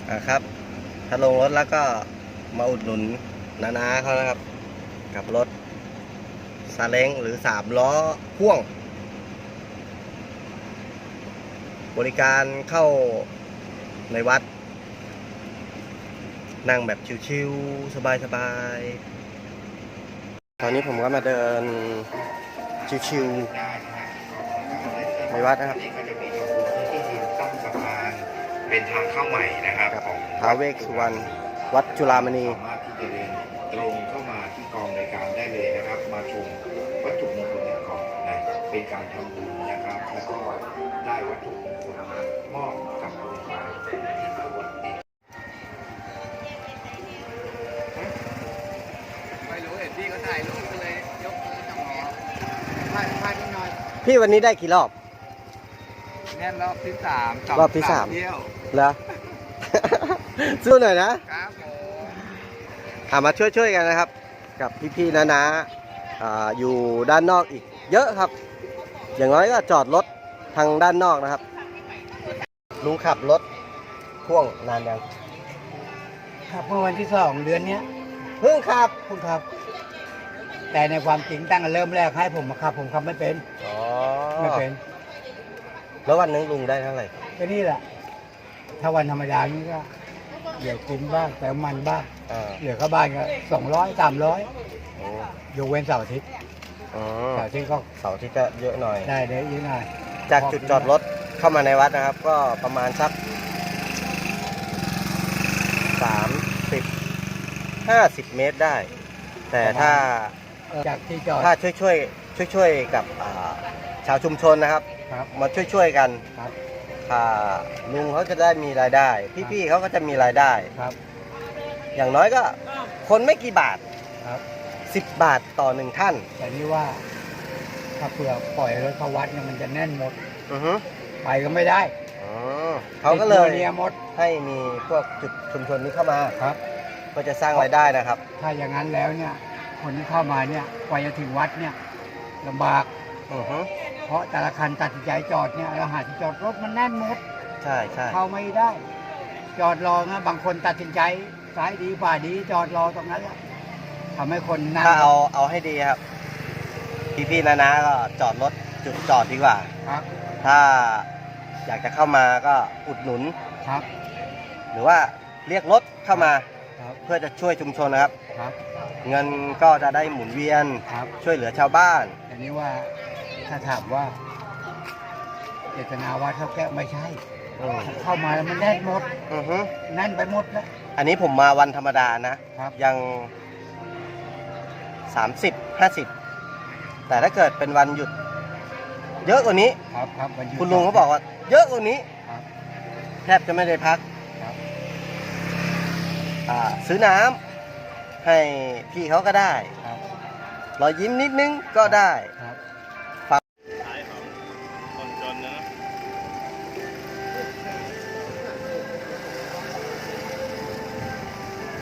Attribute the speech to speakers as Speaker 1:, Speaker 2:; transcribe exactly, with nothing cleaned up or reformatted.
Speaker 1: อ่าครับถ้าลงรถแล้วก็มาอุดหนุนน้าๆเขานะครับกับรถซาเล้งหรือสามล้อพ่วงบริการเข้าในวัดนั่งแบบชิวๆสบายๆตอนนี้ผมก็มาเดินชิวๆในวัดนะครับ
Speaker 2: เป็นทางเข้าใหม่นะครับของ
Speaker 1: ท้าวเวสสุวรรณวัดจุฬามณี
Speaker 2: สามารถที่จะเดินตรงเข้ามาที่กองรายการได้เลยนะครับ มาชมวัตถุมงคลก่อนนะเป็นการทำบุญนะครับ แล้วก็ได้วัตถุมงคลมามอบกับโรงพยาบาลที่สวัสดี
Speaker 3: ไม่รู้เห็นพี่เขาถ่ายรูปเลยยกมือจับหมอพลาดพลาดนิดหน่อย
Speaker 1: พี่วันนี้ได้กี่รอบ
Speaker 3: แน่นรอบที่สาม
Speaker 1: รอบที่สาม
Speaker 3: เที่ยว
Speaker 1: เหรอ สู้หน่อยนะ
Speaker 3: ครับผม
Speaker 1: อามาช่วยๆกันนะครับ กับพี่ๆน้าๆอ่าอยู่ด้านนอกอีกเยอะครับ อย่างน้อยก็จอดรถทางด้านนอกนะครับลุงขับรถพ่วงนานยัง
Speaker 4: ครับเมื่อวันที่สองเดือนเนี้ย
Speaker 1: เพิ่งขับ
Speaker 4: คุณครับ แต่ในความจริงตั้งแต่เริ่มแรกให้ผมมาขับ ผมขับไม่เป็น
Speaker 1: อ๋อ
Speaker 4: ไม่เป็น
Speaker 1: แล้ววันหนึงลุงได้เท่าไหร่
Speaker 4: ก็นี่แหละ ถ้าวันธรรมดานี่ก็เดี๋ยวกินบ้างแต่มันบ้าง
Speaker 1: อ่า
Speaker 4: เหลือเข้าบ้านก็สองร้อยสามร้อย
Speaker 1: โอ้
Speaker 4: ยกเว้นเสาร์อาทิตย์
Speaker 1: อ๋อ
Speaker 4: เสาร์อาทิตย์ก็
Speaker 1: เสาร์ที่จะเยอะหน่อย
Speaker 4: ได้ได้เยอะหน่อย
Speaker 1: จากจุดจอดรถเข้ามาในวัดนะครับ ก็ประมาณสักสามสิบห้าสิบเมตรได้ แต่ถ้า
Speaker 4: เออจากที่จอด
Speaker 1: ถ้าช่วยช่วยช่วยช่วยๆกับอ่าชาวชุมชนนะครับ
Speaker 4: ครับ
Speaker 1: มาช่วยช่วยๆกัน
Speaker 4: ครับ
Speaker 1: อ่าลุงเขาจะได้มีรายได้ พี่ๆเขาก็จะมีรายได้
Speaker 4: ครับ
Speaker 1: อย่างน้อยก็คนไม่กี่บาท
Speaker 4: ครับ
Speaker 1: สิบบาทต่อหนึ่งท่าน
Speaker 4: แต่นี่ว่า ถ้าเผื่อปล่อยรถเข้าวัดเนี่ยมันจะแน่นหมด
Speaker 1: อือฮึ
Speaker 4: ไปก็ไม่ได้
Speaker 1: อ๋อเขาก็เลย
Speaker 4: ติดโเนียหมด
Speaker 1: ให้มีพวกจุดชุมชนนี้เข้ามา
Speaker 4: ครับ
Speaker 1: ก็จะสร้างรายได้นะครับ
Speaker 4: ถ้าอย่างนั้นแล้วเนี่ย คนที่เข้ามาเนี่ยกว่าจะถึงวัดเนี่ยลำบาก
Speaker 1: อือฮึ
Speaker 4: เพราะแต่ละคันตัดสินใจจอดเนี่ยเราหาที่จอดรถมันแน่นหมด
Speaker 1: ใช่ใช่
Speaker 4: เข้าไม่ได้ จอดรอนะบางคนตัดสินใจซ้ายดีขวาดีจอดรอตรงนั้นแหละทำให้คนนั่ง
Speaker 1: ถ้าเอาเอาให้ดีครับ พี่ๆนะๆก็จอดรถจุดจอดดีกว่า
Speaker 4: ครับ
Speaker 1: ถ้าอยากจะเข้ามาก็อุดหนุน
Speaker 4: ครับ
Speaker 1: หรือว่าเรียกรถเข้ามา
Speaker 4: ครับ
Speaker 1: เพื่อจะช่วยชุมชนนะครับ
Speaker 4: ครับ
Speaker 1: เงินก็จะได้หมุนเวียน
Speaker 4: ครับ
Speaker 1: ช่วยเหลือชาวบ้าน
Speaker 4: อันนี้ว่าถ้าถามว่าเจตนาว่าเท่าแก้วไม่ใช่
Speaker 1: อืม
Speaker 4: เข้ามาแล้วมันแน่นหมด
Speaker 1: อือฮึ
Speaker 4: แน่นไปหมดแล้ว
Speaker 1: อันนี้ผมมาวันธรรมดานะ
Speaker 4: ครับ
Speaker 1: ยังสามสิบห้าสิบแต่ถ้าเกิดเป็นวันหยุด เยอะกว่านี้
Speaker 4: ครับครับวันหยุด
Speaker 1: คุณลุงเขาบอกว่า เยอะกว่านี้
Speaker 4: ครับ
Speaker 1: แทบจะไม่ได้พัก
Speaker 4: ครับ
Speaker 1: อ่าซื้อน้ำให้พี่เขาก็ได้
Speaker 4: ครับ
Speaker 1: รอยยิ้มนิดนึงก็ได้
Speaker 4: ครับ